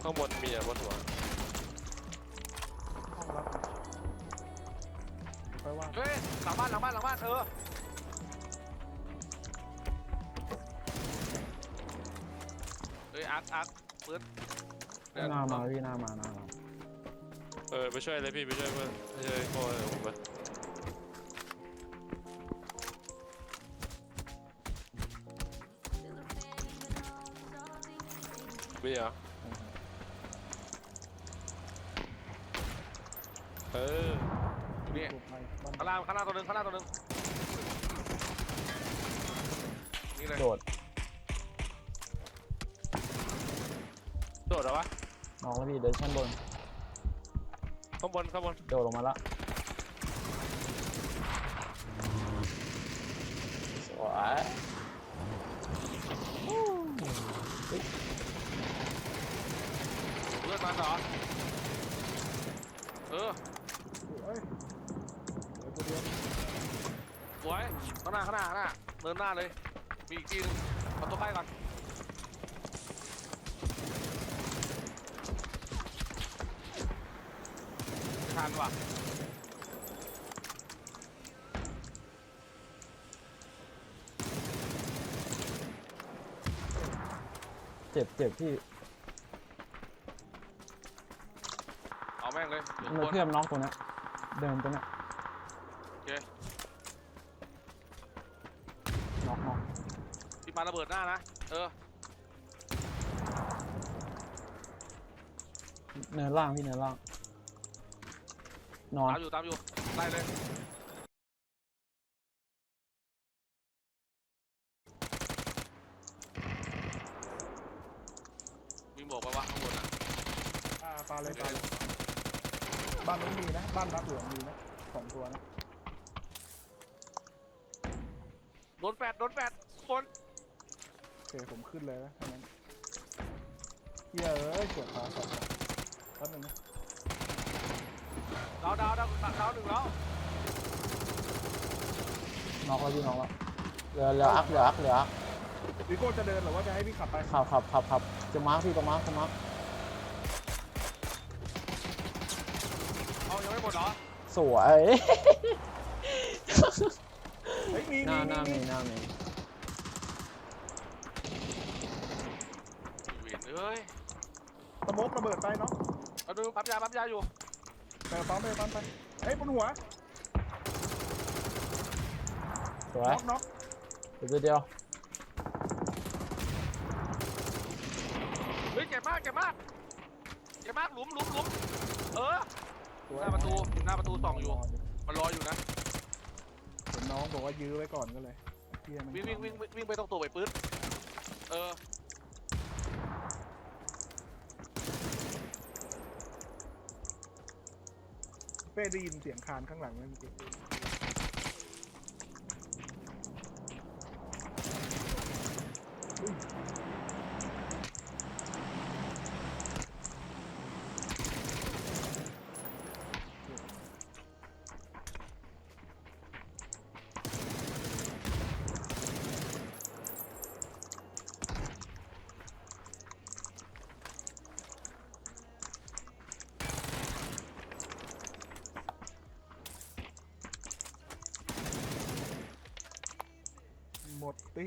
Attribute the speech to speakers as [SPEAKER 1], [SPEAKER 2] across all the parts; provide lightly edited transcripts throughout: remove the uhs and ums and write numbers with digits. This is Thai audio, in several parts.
[SPEAKER 1] ข้างบนมีอ่ะบนหัว
[SPEAKER 2] ห้องรับไปว่า
[SPEAKER 3] เฮ้ยหลังบ้านเฮ้ยอาร์ตปืน
[SPEAKER 2] หน้ามาพี่หน้ามา
[SPEAKER 1] ไปช่วยเลยพี่ไปช่วยเพื่อนไปช่วยโก้เลยผมไปมีเหรอ
[SPEAKER 3] นี่
[SPEAKER 2] บ้าน
[SPEAKER 3] ข้างล่างตัวหนึ่งนี่เลย
[SPEAKER 2] โดด
[SPEAKER 1] โดดเหรอวะ
[SPEAKER 2] น้องแล้วพี่เดินชั้นบน
[SPEAKER 1] ข้างบน
[SPEAKER 2] โดดลงมาละสวย
[SPEAKER 3] เพื่อนมันเหรอสวยข้างหน้าเดินหน้าเลยมีอีกทีนึงเอาตัวใกล้ก่อนทันว่ะ
[SPEAKER 2] เจ็บพี่
[SPEAKER 3] เอาแม่งเลย
[SPEAKER 2] มันเพื่อนน็อกตัวนี้เดินตัวนี้
[SPEAKER 3] โอเค
[SPEAKER 2] น็อก
[SPEAKER 3] พี่ปาระเบิดหน้านะ
[SPEAKER 2] เนินล่างพี่เนินล่างนอน
[SPEAKER 3] ตามอยู่ไล่เลยมีหมวกปะวะข้างบนอ่ะ
[SPEAKER 4] ปลาเลยบ้านนู้นมีนะบ้านรับเหลืองมีนะ2 ตัวนะ
[SPEAKER 3] โดนแปดคน
[SPEAKER 4] โอเคผมขึ้นเลยนะทั้งนั้นเหี้ยเอ้ยเกือบขาสัตว์แป๊บนึงนะ
[SPEAKER 3] ดาวหนึ่งแล้ว
[SPEAKER 2] น็อกแล้วพี่น็อกแล้วเหลืออัก
[SPEAKER 4] วิโก้จะเดินหรือว่าจะให้พี่ขับไป
[SPEAKER 2] ขับจะมาร์คพี่จะมาร์ค
[SPEAKER 3] เอายังไม่หมดเหรอ
[SPEAKER 2] สวย
[SPEAKER 4] เฮ้ยมี
[SPEAKER 2] หน้ามี
[SPEAKER 3] เวียนเอ้ย
[SPEAKER 4] สโมกระเบิดไปเนาะ
[SPEAKER 3] เอาดูปั๊มยาอยู่
[SPEAKER 4] ไปปั๊มไปเฮ้ยบนหัว
[SPEAKER 2] สวย
[SPEAKER 4] น็อก
[SPEAKER 2] เดียว
[SPEAKER 3] เฮ้ยเจ็บมากหลุมหน้าประตูส่องอยู่มันรออยู่นะ
[SPEAKER 4] เห็นน้องบอกว่ายื้อไว้ก่อนก็เลยเหี้ยมัน
[SPEAKER 3] วิ่งไปตรงตัวไปปื๊ด
[SPEAKER 4] เป้ได้ยินเสียงคานข้างหลังไหมเมื่อกี้หมดตี้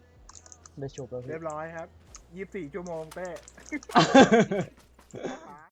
[SPEAKER 2] ได้จบแล้ว
[SPEAKER 4] เรียบร้อยครับ24 ชั่วโมงเป้